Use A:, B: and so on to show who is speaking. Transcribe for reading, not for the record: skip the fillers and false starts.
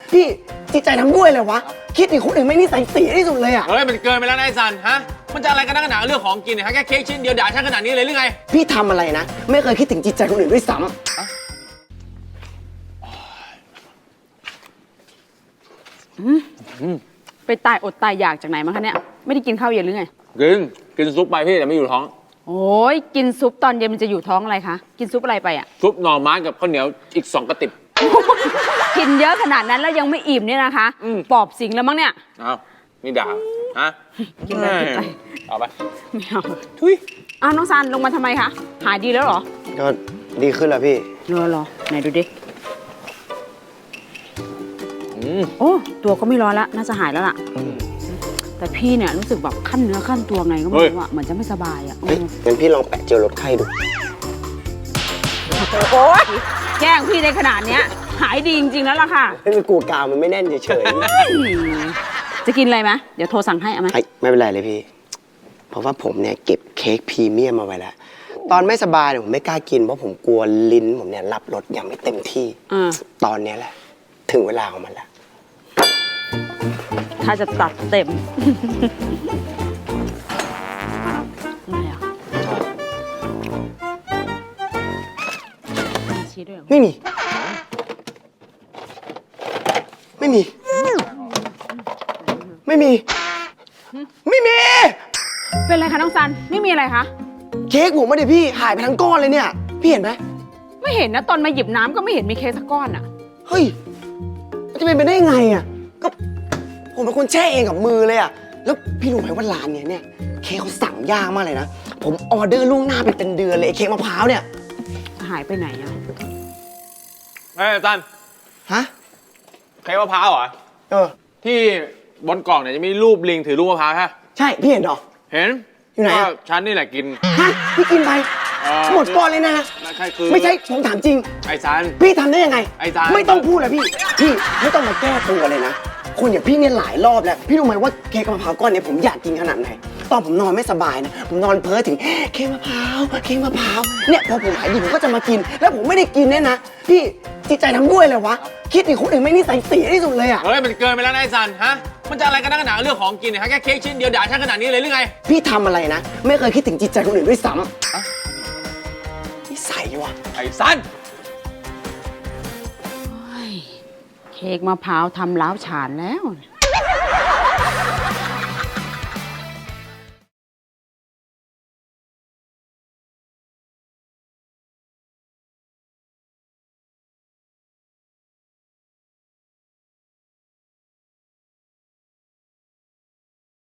A: พี่จิตใจทำด้วยเลยวะคิดถึงคนอื่นไม่นิสัยเสียที่สุดเลยอ่ะ
B: เฮ้ยมันเกินไปแล้วนายซันฮะมันจะอะไรกันนักหนาเรื่องของกินเนี่ยฮะแค่เค้กชิ้นเดียวด่าฉันขนาดนี้เลยหรือไง
A: พี่ทำอะไรนะไม่เคยคิดถึงจิตใจคนอื่นด้วยซ้ำ
C: ไปตายอดตายอยากจากไหนมาคะเนี่ยไม่ได้กินข้าวเย็นหรือไง
B: กินซุปไปพี่แต่ไม่อยู่ท้อง
C: โอ้ยกินซุปตอนเย็นมันจะอยู่ท้องอะไรคะกินซุปอะไรไปอ่ะ
B: ซุปหน่อไม้กับข้าวเหนียวอีก2 กระติบ
C: กินเยอะขนาดนั้นแล้วยังไม่อิ่มเนี่ยนะคะปอบสิงแล้วมั้งเนี่ย
B: อ้าวนี่ด่าฮะ
C: กินไปกินไป
B: เอาไป
C: ไม่เอา
B: ทุย
C: อ้าวน้องซันลงมาทำไมคะหายดีแล้วเหรอ
A: ก็ดีขึ้นแล้วพี่
C: เหรอไหนดูดิโอ้ตัวก็ไม่ร้อนแล้วน่าจะหายแล้วล่ะแต่พี่เนี่ยรู้สึกแบบขั้นเนื้อขั้นตัวไงก็ไม่รู้อะเหมือนจะไม่สบายอะ
A: งั้นพี่ลองแปะเจลลดไข้ดู
C: โอ้ยแกล้งพี่ในขนาดเนี้ยหายดีจริงๆแล้วล่ะค่ะ
A: ไม่เป็นกูกาวมันไม่แน่นเฉย
C: ๆจะกินอะไรไหมเดี๋ยวโทรสั่งให้เอาไหม
A: ไม่เป็นไรเลยพี่เพราะว่าผมเนี่ยเก็บเค้กพรีเมียมมาไว้แล้วตอนไม่สบายเนี่ยผมไม่กล้ากินเพราะผมกลัวลิ้นผมเนี่ยรับรสยังไม่เต็มที่ตอนนี้แหละถึงเวลาของมันแล้ว
C: ถ้าจะตัดเต็มอะไรอ่ะชี้ด้วย
A: ไม่มีไม่มี
C: เป็นไรคะน้องซันไม่มีอะไรคะ
A: เค้กผมไม่ได้พี่หายไปทั้งก้อนเลยเนี่ยพี่เห็นไหม
C: ไม่เห็นนะตอนมาหยิบน้ำก็ไม่เห็นมีเค้กสักก้อนอ่ะ
A: เฮ้ยมันจะเป็นไปได้ไงอ่ะก็ผมเป็นคนแช่เองกับมือเลยอ่ะแล้วพี่รู้ไหมว่าร้านเนี้ยเค้กเขาสั่งยากมากเลยนะผมออเดอร์ล่วงหน้าไปเป็นเดือนเลยเค้กมะพร้าวเนี่ย
C: หายไปไหนอ่ะ
B: เฮ้ยซัน
A: ฮะ
B: เค้กมะพร้าวเหรอที่บนกล่องเนี่ยจะมีรูปลิงถือลูกมะพร้าวฮะ
A: ใช่พี่เห็นหรอ
B: เห็น
A: อยู่ไหน
B: ฉันนี่แหละกิน
A: ฮะพี่กินไปหมดก้อนเลยนะไม่ใช่ผมถามจริง
B: ไอ้ซัน
A: พี่ทำได้ยังไง
B: ไอ้ซัน
A: ไม่ต้องพูดเลยพี่ไม่ต้องมาแก้ตัวเลยนะคนอย่างพี่เนี่ยหลายรอบแล้วพี่รู้ไหมว่าเค้กมะพร้าวก้อนนี้ผมอยากกินขนาดไหนตอนผมนอนไม่สบายนะผมนอนเพ้อถึงเค้กมะพร้าวเนี่ยพอผมหายดีผมก็จะมากินแล้วผมไม่ได้กินเนี่ยนะพี่จิตใจทำด้วยเลยวะคิดถึงคนอื่นไม่นิสัยเสียที่สุดเลยอ่ะ
B: เฮ้ยมันเกินไปแล้วนายซันฮะมันจะอะไรกันนักหนาเรื่องของกินเนี่ยฮะแค่เค้กชิ้นเดียวด่าฉันขนาดนี้เลยหรือไง
A: พี่ทำอะไรนะไม่เคยคิดถึงจิตใจคนอื่นด้วยซ้ำนิสัยวะ
B: ไอ้ซัน
C: เค้กมะพร้าวทำล้าวฉานแล้ว